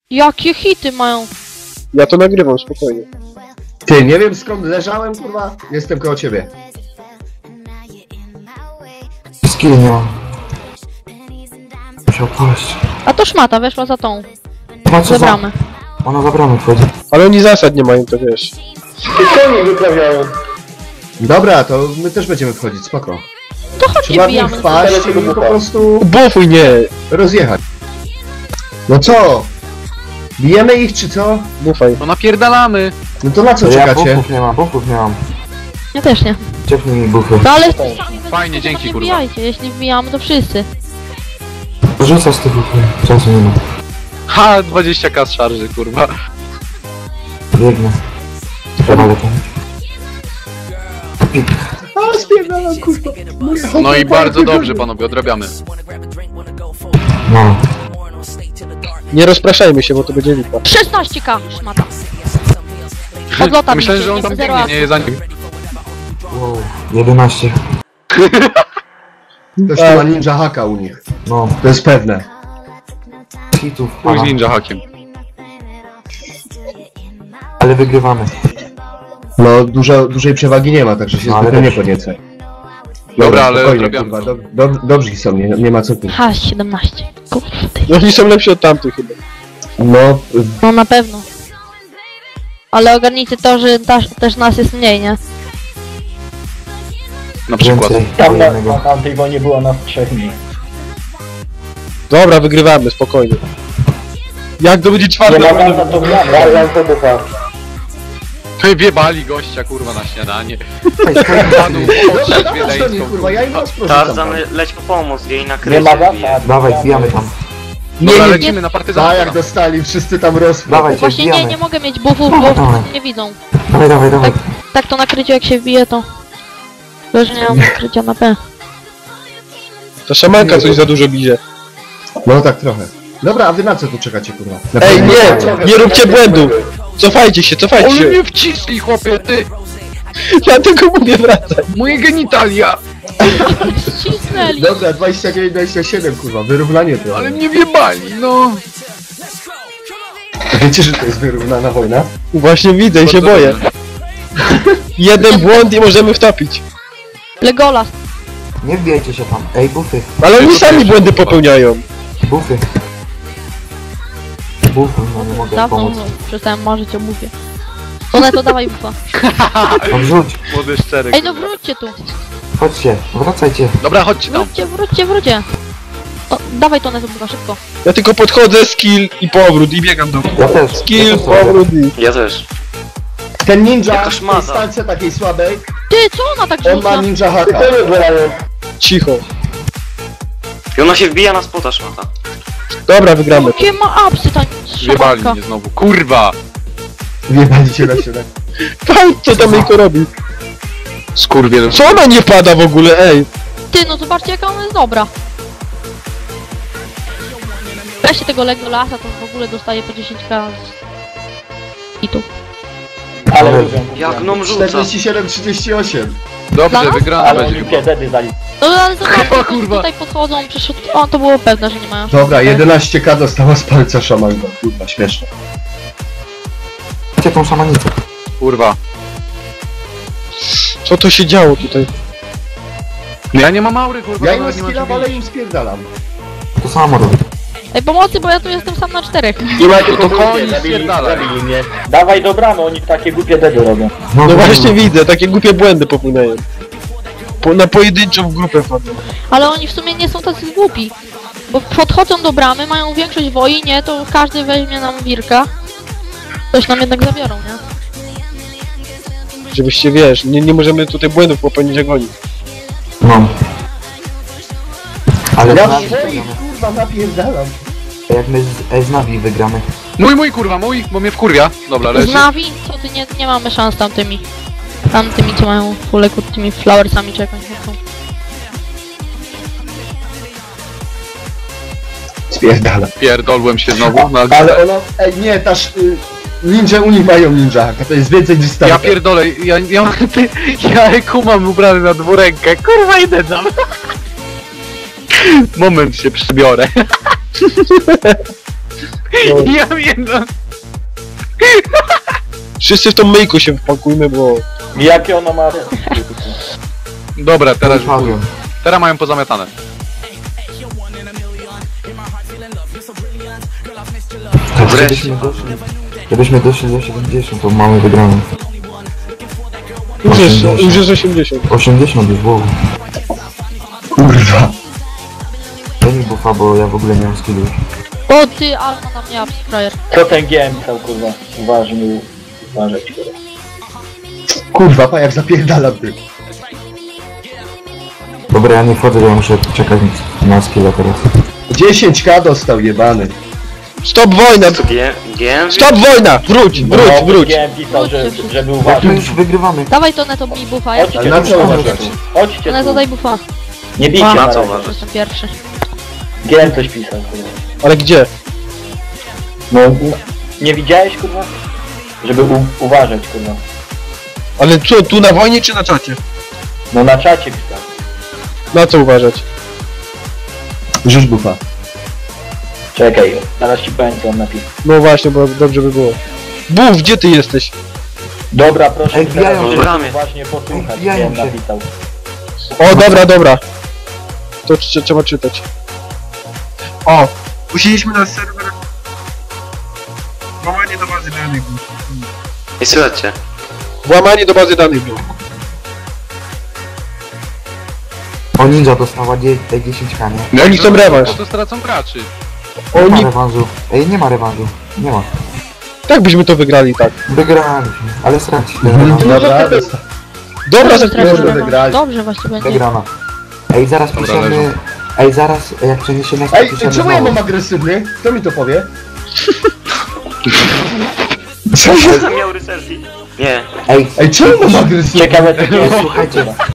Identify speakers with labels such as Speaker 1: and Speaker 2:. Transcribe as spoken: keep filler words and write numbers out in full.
Speaker 1: Jakie hity mają?
Speaker 2: Ja to nagrywam, spokojnie.
Speaker 3: Ty, nie wiem skąd leżałem, kurwa. Jestem koło ciebie.
Speaker 4: Skill nie mam. Musiał paść.
Speaker 1: A to szmata weszła za tą.
Speaker 4: Chyba co
Speaker 1: Za
Speaker 4: za...
Speaker 1: bramę.
Speaker 4: Ona za bramę wchodzi.
Speaker 2: Ale oni zasad nie mają, to wiesz.
Speaker 3: I co oni wyprawiają? Dobra, to my też będziemy wchodzić, spoko.
Speaker 1: To chodźcie
Speaker 3: Trzeba w nich
Speaker 1: wbijamy.
Speaker 3: wpaść i po prostu
Speaker 2: Bufuj, nie!
Speaker 3: rozjechać. No co? Bijemy ich czy co?
Speaker 2: Bufaj.
Speaker 5: No napierdalamy!
Speaker 3: No to na co
Speaker 4: Ja
Speaker 3: czekacie?
Speaker 4: buffów nie mam, buffów nie mam.
Speaker 1: Ja też nie.
Speaker 4: Ciepnij mi buffy.
Speaker 1: No ale
Speaker 5: Fajnie, dzięki,
Speaker 1: nie
Speaker 5: kurwa.
Speaker 1: wbijajcie, jeśli wbijamy to wszyscy.
Speaker 4: Rzucać te buffy. Czasu nie ma.
Speaker 5: Ha, dwadzieścia ka z szarży, kurwa.
Speaker 4: Biegnę. Trzeba lepiej. Pik.
Speaker 3: A, spierdalam, kurwa.
Speaker 5: No i bardzo dobrze, panowie, odrabiamy.
Speaker 4: No.
Speaker 2: Nie rozpraszajmy się, bo to będzie lipa.
Speaker 1: szesnaście ka szmata. Odlota
Speaker 5: Myślałem,
Speaker 1: mi
Speaker 5: że on
Speaker 1: się,
Speaker 5: tam
Speaker 1: zero
Speaker 5: biegnie, nie za nim.
Speaker 4: Wow. jedenaście.
Speaker 3: Ktoś tu ma ninja haka u nich.
Speaker 4: No.
Speaker 3: To jest pewne.
Speaker 4: Hitów.
Speaker 5: Chuj z
Speaker 4: Aha.
Speaker 5: ninja hakiem.
Speaker 4: Ale wygrywamy.
Speaker 3: No, dużo, dużej przewagi nie ma, także się
Speaker 4: No, ale
Speaker 3: zbytnio nie
Speaker 4: dobrze.
Speaker 3: podniecaj.
Speaker 5: Dobra, ale
Speaker 3: spokojnie,
Speaker 5: odrabiamy.
Speaker 3: kurwa, dob dob dobrzy są, nie, nie ma co tu.
Speaker 1: Ha, siedemnaście. Kurde.
Speaker 2: No oni są lepsi od tamtych chyba.
Speaker 3: No,
Speaker 1: No na pewno. Ale ogarnijcie to, że ta, też nas jest mniej, nie?
Speaker 5: Na przykład.
Speaker 4: Więcej.
Speaker 6: Tam na,
Speaker 4: jednego.
Speaker 6: na tamtej wojnie było nas trzech mniej.
Speaker 2: Dobra, wygrywamy, spokojnie. Jak to będzie
Speaker 6: Nie
Speaker 2: czwarta?
Speaker 6: ma tam za to gramy. to bufa.
Speaker 5: Wiebali gościa, kurwa, na śniadanie.
Speaker 4: Ej, spokojnie.
Speaker 5: Panu
Speaker 3: dobra,
Speaker 5: potrzeć
Speaker 3: dawaj do nich,
Speaker 5: wiedeńską,
Speaker 3: kurwa, ja im was
Speaker 7: Tarzan, leć po pomoc, jej na
Speaker 6: Nie
Speaker 7: krycie
Speaker 6: ma
Speaker 7: wbije.
Speaker 6: zasad.
Speaker 4: Dawaj, wbijamy tam.
Speaker 5: Dobra,
Speaker 2: Nie, nie,
Speaker 5: lecimy na
Speaker 3: A
Speaker 5: partyzanta.
Speaker 3: jak dostali, wszyscy tam rosną.
Speaker 4: Dawajcie,
Speaker 1: Właśnie nie,
Speaker 4: wbijamy.
Speaker 1: nie mogę mieć buffów, bo wtedy nie widzą.
Speaker 4: Dawaj, dawaj, dawaj.
Speaker 1: Tak to nakrycie jak się wbije to... Bo że nie mam nakrycia na P.
Speaker 2: Ta szamanka coś za dużo bije.
Speaker 3: No tak trochę. Dobra, a wy na co tu czekacie, kurwa? Na
Speaker 2: Ej,
Speaker 3: pewno-
Speaker 2: nie! Nie róbcie błędu! Cofajcie się, cofajcie
Speaker 5: Ale
Speaker 2: się!
Speaker 5: mnie wcisli, chłopie, ty!
Speaker 2: Ja tylko mówię wracać.
Speaker 5: Moje genitalia!
Speaker 1: Ścisnęli!
Speaker 3: Dobra, dwadzieścia dziewięć dwadzieścia siedem, kurwa, wyrównanie to.
Speaker 5: Ale mnie wiebali, no!
Speaker 3: Wiecie, że to jest wyrównana wojna?
Speaker 2: Właśnie widzę i się
Speaker 5: Bardzo
Speaker 2: boję.
Speaker 5: dobrze.
Speaker 2: Jeden błąd i możemy wtopić.
Speaker 1: Legolas.
Speaker 4: Nie wbijajcie się tam. Ej, buffy.
Speaker 2: Ale oni sami błędy popełniają.
Speaker 4: Buffy. Buffy, no nie mogę
Speaker 1: Dawno
Speaker 4: pomóc.
Speaker 1: no, przestałem marzyć o bufie. One to dawaj bufa.
Speaker 4: No wrzuć.
Speaker 5: Młody szczery.
Speaker 1: Ej no wróćcie tu.
Speaker 4: Chodźcie, wracajcie.
Speaker 5: Dobra, chodźcie tam.
Speaker 1: Wróćcie, wróćcie, wróćcie. O, dawaj to na bufa, szybko.
Speaker 2: Ja tylko podchodzę, skill i powrót i biegam do...
Speaker 4: Ja też.
Speaker 2: Skill,
Speaker 4: ja też robię.
Speaker 2: powrót i...
Speaker 7: Ja też.
Speaker 3: Ten ninja
Speaker 7: Jaka
Speaker 3: w tej
Speaker 7: szmata.
Speaker 3: stance takiej słabej,
Speaker 1: Ty, co ona tak
Speaker 3: on ma
Speaker 1: rzuca?
Speaker 3: ninja haka.
Speaker 2: Cicho.
Speaker 7: I ona się wbija na spota szmata.
Speaker 2: Dobra, wygramy.
Speaker 1: Jakie ma apsy ta
Speaker 5: Wiebali
Speaker 1: szamanka.
Speaker 5: mnie znowu. Kurwa!
Speaker 3: Wjebali cię na środek.
Speaker 2: Pan, co tam Ejko robi?
Speaker 5: Skurwiel.
Speaker 2: Co ona nie pada w ogóle, ej?
Speaker 1: Ty, no zobaczcie jaka ona jest dobra. Weźcie tego Legolasa, to w ogóle dostaje po dziesięć ka z... I tu.
Speaker 6: Ale
Speaker 4: Ale-
Speaker 6: lubią.
Speaker 7: Jak gnom rzuca.
Speaker 3: czterdzieści siedem trzydzieści osiem.
Speaker 5: Dobrze,
Speaker 1: Dla nas?
Speaker 5: wygrana
Speaker 6: Ale
Speaker 5: będzie
Speaker 6: olimpie
Speaker 5: chyba.
Speaker 6: zedy dali.
Speaker 1: No ale zobaczcie,
Speaker 5: O, kurwa.
Speaker 1: tutaj podchodzą, przyszedł... O, to było pewne, że nie mają
Speaker 3: Dobra,
Speaker 1: szans.
Speaker 3: jedenaście ka dostała z palca szamanka. Kurwa, śmieszne.
Speaker 4: Chodźcie tą szamanicę.
Speaker 5: Kurwa.
Speaker 2: Co to się działo tutaj?
Speaker 5: Ja nie mam aury, kurwa.
Speaker 3: Ja im
Speaker 5: nawet nie mam
Speaker 3: skilla,
Speaker 5: czym
Speaker 3: ale
Speaker 5: bić.
Speaker 3: im spierdalam.
Speaker 4: To samo robię.
Speaker 1: Ej, pomocy, bo ja tu jestem sam na czterech.
Speaker 6: Nie macie
Speaker 5: to
Speaker 6: powrotu,
Speaker 5: koni
Speaker 6: zabili,
Speaker 5: spierdalaj.
Speaker 6: zabili mnie. Dawaj do bramy, oni takie głupie dedy robią.
Speaker 2: No
Speaker 4: dobra.
Speaker 2: właśnie widzę, takie głupie błędy popełniają. Po, na pojedynczą w grupę wchodzą.
Speaker 1: Ale oni w sumie nie są tacy głupi. Bo podchodzą do bramy, mają większość woi, nie? To każdy weźmie nam wirka. Coś nam jednak zabiorą, nie?
Speaker 2: Żebyście, wiesz, nie, nie możemy tutaj błędów popełnić jak oni.
Speaker 4: No. Ale
Speaker 3: Ja
Speaker 4: z Navi
Speaker 3: swoich,
Speaker 4: wygramy.
Speaker 3: kurwa, napierdalam.
Speaker 4: Jak my z, ej, z Navi wygramy.
Speaker 5: Mój, mój, kurwa, mój, bo mnie wkurwia. Dobra,
Speaker 1: Z
Speaker 5: leży.
Speaker 1: Navi? Co ty, nie, nie mamy szans tamtymi. Tamtymi, co mają fulę tymi flowersami czy jakąś chcą.
Speaker 3: Spierdalam.
Speaker 5: Pierdolłem się znowu. Na...
Speaker 3: Ale ona... Ej, nie, ta sz... y, ninja u nich mają ninja haka, to jest więcej niż
Speaker 5: Ja
Speaker 3: start.
Speaker 5: pierdolę, ja, ja, ty, ja kumam ubrany na dwurękę. Kurwa, idę tam. Moment się przebiorę. Ja wiem, no.
Speaker 2: Wszyscy w tą myjku się wpakujmy, bo...
Speaker 6: Jakie ona ma...
Speaker 5: Dobra, teraz już
Speaker 4: Padłem.
Speaker 5: Teraz mają pozamiatane.
Speaker 4: Tak,
Speaker 7: Wreszcie.
Speaker 4: żebyśmy doszli, żebyśmy doszli do siedemdziesiąt, to mamy wygraną.
Speaker 2: Już jest, już jest osiemdziesiąt.
Speaker 4: osiemdziesiąt już było.
Speaker 3: Kurwa.
Speaker 4: Daj mi buffa, bo ja w ogóle nie mam skillu.
Speaker 1: O ty, Alma na mnie apps, frajer.
Speaker 6: Co ten G M pisał, kurwa? Uważnie, uważać, kurwa.
Speaker 3: Kurwa, pa jak zapierdalam ty.
Speaker 4: Dobra, ja nie wchodzę, bo ja muszę czekać na skilla teraz.
Speaker 3: dziesięć ka dostał jebany.
Speaker 2: Stop wojna!
Speaker 7: Co G M?
Speaker 2: Stop wojna! Wróć, wróć,
Speaker 6: No,
Speaker 2: wróć!
Speaker 6: G M pisał, że, żeby
Speaker 4: Jak my
Speaker 6: uważać.
Speaker 4: już wygrywamy.
Speaker 1: Dawaj to neto mi buffa, ja
Speaker 6: Chodźcie
Speaker 3: Ale na
Speaker 6: tu,
Speaker 3: co
Speaker 6: chodźcie
Speaker 3: uważać?
Speaker 6: tu. Chodźcie
Speaker 1: neto
Speaker 6: tu.
Speaker 1: daj buffa.
Speaker 6: Nie bijcie
Speaker 1: A,
Speaker 6: na
Speaker 7: na co
Speaker 6: razie.
Speaker 7: uważać?
Speaker 1: Jestem pierwszy.
Speaker 6: G M coś pisał, kurwa.
Speaker 2: Ale gdzie?
Speaker 6: No, u- nie widziałeś, kurwa? Żeby u- uważać, kurwa.
Speaker 2: Ale co, tu na wojnie czy na czacie?
Speaker 6: No na czacie pisał.
Speaker 2: Na co uważać?
Speaker 3: Rzuć bufa.
Speaker 6: Czekaj, zaraz ci powiem, co on napisał.
Speaker 2: No właśnie, bo dobrze by było. Buf, gdzie ty jesteś?
Speaker 6: Dobra, proszę
Speaker 4: Ej,
Speaker 6: teraz,
Speaker 4: wbijają
Speaker 6: żeby
Speaker 7: się. Bramie.
Speaker 6: właśnie posłuchać,
Speaker 4: Wbijają
Speaker 6: G M
Speaker 4: się.
Speaker 6: napisał.
Speaker 2: O, dobra, dobra. To trze- trzeba czytać. O, musieliśmy na serwer... Włamanie do bazy danych było.
Speaker 7: Nie słychać cię.
Speaker 2: Włamanie do bazy danych było.
Speaker 4: O, ninja dostała dziesięć ka, nie?
Speaker 2: Oni chcą rewanż.
Speaker 5: To stracą graczy.
Speaker 4: Nie ma
Speaker 2: Oni...
Speaker 4: rewanżu. Ej, nie ma rewanżu. Nie ma.
Speaker 2: Tak byśmy to wygrali, tak.
Speaker 4: Wygraliśmy, ale srać.
Speaker 3: Dobra, dostał.
Speaker 2: Dobra,
Speaker 1: Dobrze,
Speaker 2: że...
Speaker 3: Dobrze
Speaker 1: stracimy.
Speaker 3: wygrali.
Speaker 1: Dobrze właśnie będzie.
Speaker 4: Wygrana. Ej, zaraz
Speaker 5: Dobra,
Speaker 4: piszemy...
Speaker 5: leżą.
Speaker 4: Ej, zaraz, jak przeniesiemy... to
Speaker 3: Ej,
Speaker 4: piszemy
Speaker 3: czemu ja
Speaker 4: znowu.
Speaker 3: mam agresywny? Kto mi to powie?
Speaker 7: Miał rycerki. Nie.
Speaker 4: Ej,
Speaker 3: Ej, czemu mam agresywny?
Speaker 6: Ciekawe, co G M
Speaker 4: Słuchajcie,